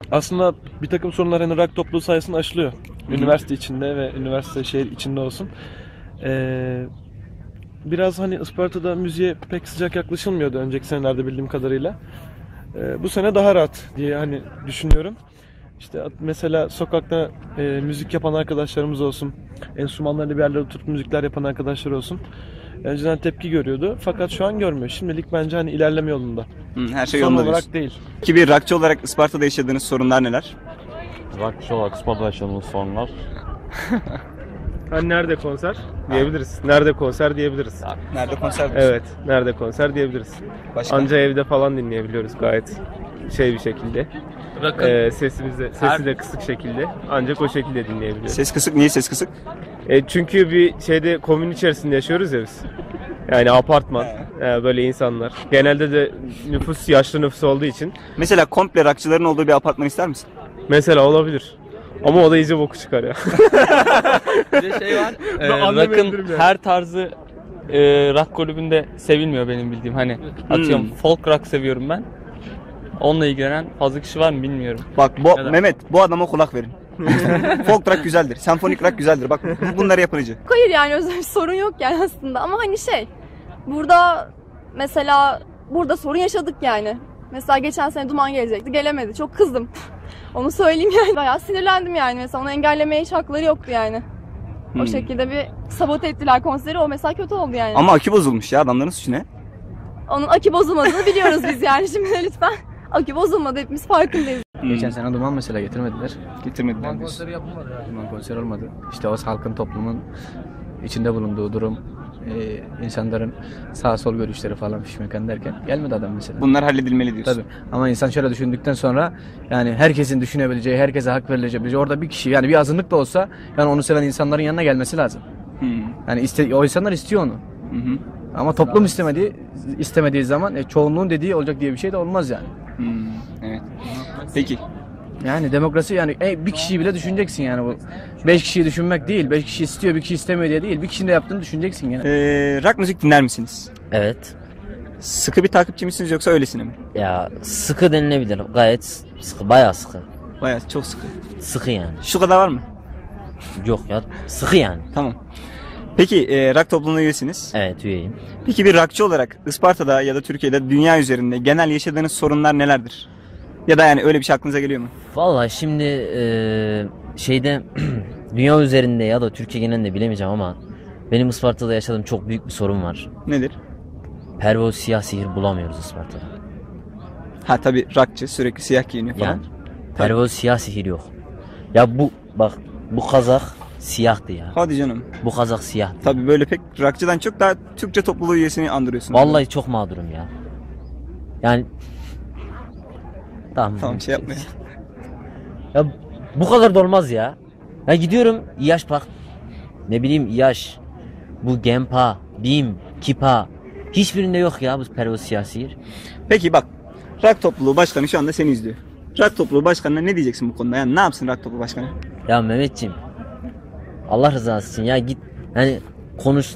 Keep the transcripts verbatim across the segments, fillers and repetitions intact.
Aslında bir takım sorunlar hani rock topluluğu sayesinde aşılıyor. Hı-hı. Üniversite içinde ve üniversite şehir içinde olsun. Ee, biraz hani Isparta'da müziğe pek sıcak yaklaşılmıyordu önceki senelerde bildiğim kadarıyla. Ee, bu sene daha rahat diye hani düşünüyorum. İşte mesela sokakta e, müzik yapan arkadaşlarımız olsun, enstrümanlarla bir yerlere oturup müzikler yapan arkadaşlar olsun. Önceden tepki görüyordu fakat şu an görmüyor. Şimdilik bence hani ilerleme yolunda. Hı, her şey Son yolunda olarak diyorsun. değil. Ki bir rockçı olarak Isparta'da yaşadığınız sorunlar neler? Rockçı olarak Isparta'da yaşadığımız sorunlar. Hani nerede konser diyebiliriz. Nerede konser diyebiliriz. Nerede konser? Evet, nerede konser diyebiliriz. Başka? Anca evde falan dinleyebiliyoruz gayet şey bir şekilde. Ee, sesimiz de, sesi de kısık şekilde. Ancak o şekilde dinleyebiliyoruz. Ses kısık. Niye ses kısık? E, çünkü bir şeyde komün içerisinde yaşıyoruz ya biz. Yani apartman, e, böyle insanlar. Genelde de nüfus yaşlı nüfus olduğu için. Mesela komple rockçıların olduğu bir apartman ister misin? Mesela olabilir. Ama o da iyice boku çıkar ya. Bir de şey var. e, rock'ın her tarzı e, rock kulübünde sevilmiyor benim bildiğim. Hani atıyorum Hmm. folk rock seviyorum ben. Onunla ilgilenen fazla kişi var mı bilmiyorum. Bak bu, Neden? Mehmet bu adama kulak verin. Folk rock güzeldir. Senfonik rock güzeldir. Bak bunları yapıcı. Hayır yani özel bir sorun yok yani aslında ama hani şey burada mesela burada sorun yaşadık yani. Mesela geçen sene Duman gelecekti, gelemedi. Çok kızdım. Onu söyleyeyim yani. Bayağı sinirlendim yani. Mesela onu engellemeye hiç hakları yoktu yani. Hmm. O şekilde bir sabote ettiler konseri. O mesela kötü oldu yani. Ama akü bozulmuş ya, adamların suçu ne? Onun akü bozulmadığını biliyoruz biz yani. Şimdi lütfen. Akü bozulmadı. Hepimiz farkındayız. Hmm. Geçen sene Duman mesela getirmediler. Getirmediler. Duman konseri yapılmadı ya. Duman konseri olmadı. İşte o halkın, toplumun içinde bulunduğu durum, e, insanların sağ sol görüşleri falan fişmekan derken gelmedi adam mesela. Bunlar halledilmeli diyorsun. Tabii. Ama insan şöyle düşündükten sonra yani herkesin düşünebileceği, herkese hak verilebileceği, orada bir kişi yani bir azınlık da olsa yani onu seven insanların yanına gelmesi lazım. Hmm. Yani iste, o insanlar istiyor onu. Hı hı. Ama toplum istemediği istemediği zaman e, çoğunluğun dediği olacak diye bir şey de olmaz yani. Hmm. Evet. Peki. Yani demokrasi yani e, bir kişiyi bile düşüneceksin yani bu. Beş kişiyi düşünmek değil, beş kişi istiyor, bir kişi istemiyor diye değil. Bir kişinin de yaptığını düşüneceksin yani. Ee, rock müzik dinler misiniz? Evet. Sıkı bir takipçi misiniz yoksa öylesine mi? Ya sıkı denilebilir. Gayet sıkı. Bayağı sıkı. Bayağı çok sıkı. Sıkı yani. Şu kadar var mı? Yok ya. Sıkı yani. Tamam. Peki e, rock topluluğuna üyesiniz. Evet, üyeyim. Peki bir rockçı olarak Isparta'da ya da Türkiye'de, dünya üzerinde genel yaşadığınız sorunlar nelerdir? Ya da yani öyle bir şey aklınıza geliyor mu? Vallahi şimdi eee, şeyde dünya üzerinde ya da Türkiye genelinde bilemeyeceğim ama benim Isparta'da yaşadığım çok büyük bir sorun var. Nedir? Pervoz siyah sihir bulamıyoruz Isparta'da. Ha tabii rockçı, sürekli siyah giyiniyor falan. Yani pervoz siyah sihir yok. Ya bu bak bu kazak siyahtı ya. Hadi canım. Bu kazak siyahtı. Tabii böyle pek rockçıdan çok daha Türkçe topluluğu üyesini andırıyorsunuz. Vallahi çok mağdurum ya. Yani tamam. Tamam, şey yapma ya. Ya bu kadar da olmaz ya. Ya gidiyorum İyaş bak. Ne bileyim İyaş. Bu Gempa, Bim, Kipa. Hiçbirinde yok ya bu pervoz siyah sihir. Peki bak, rock topluluğu başkanı şu anda seni izliyor. Rock topluluğu başkanına ne diyeceksin bu konuda? Yani ne yapsın rock topluluğu başkanı? Ya Mehmetciğim. Allah rızası için ya git hani konuş.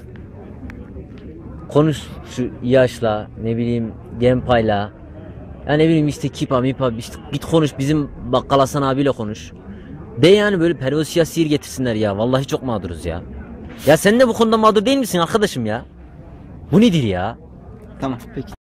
Konuş şu İyaş'la, ne bileyim Gempa'yla. Ya ne bileyim işte Kipa, Mipa, işte git konuş bizim Bakkal Hasan abiyle konuş. De yani böyle pervoz siyah sihir getirsinler ya. Vallahi çok mağduruz ya. Ya sen de bu konuda mağdur değil misin arkadaşım ya? Bu nedir ya? Tamam, peki.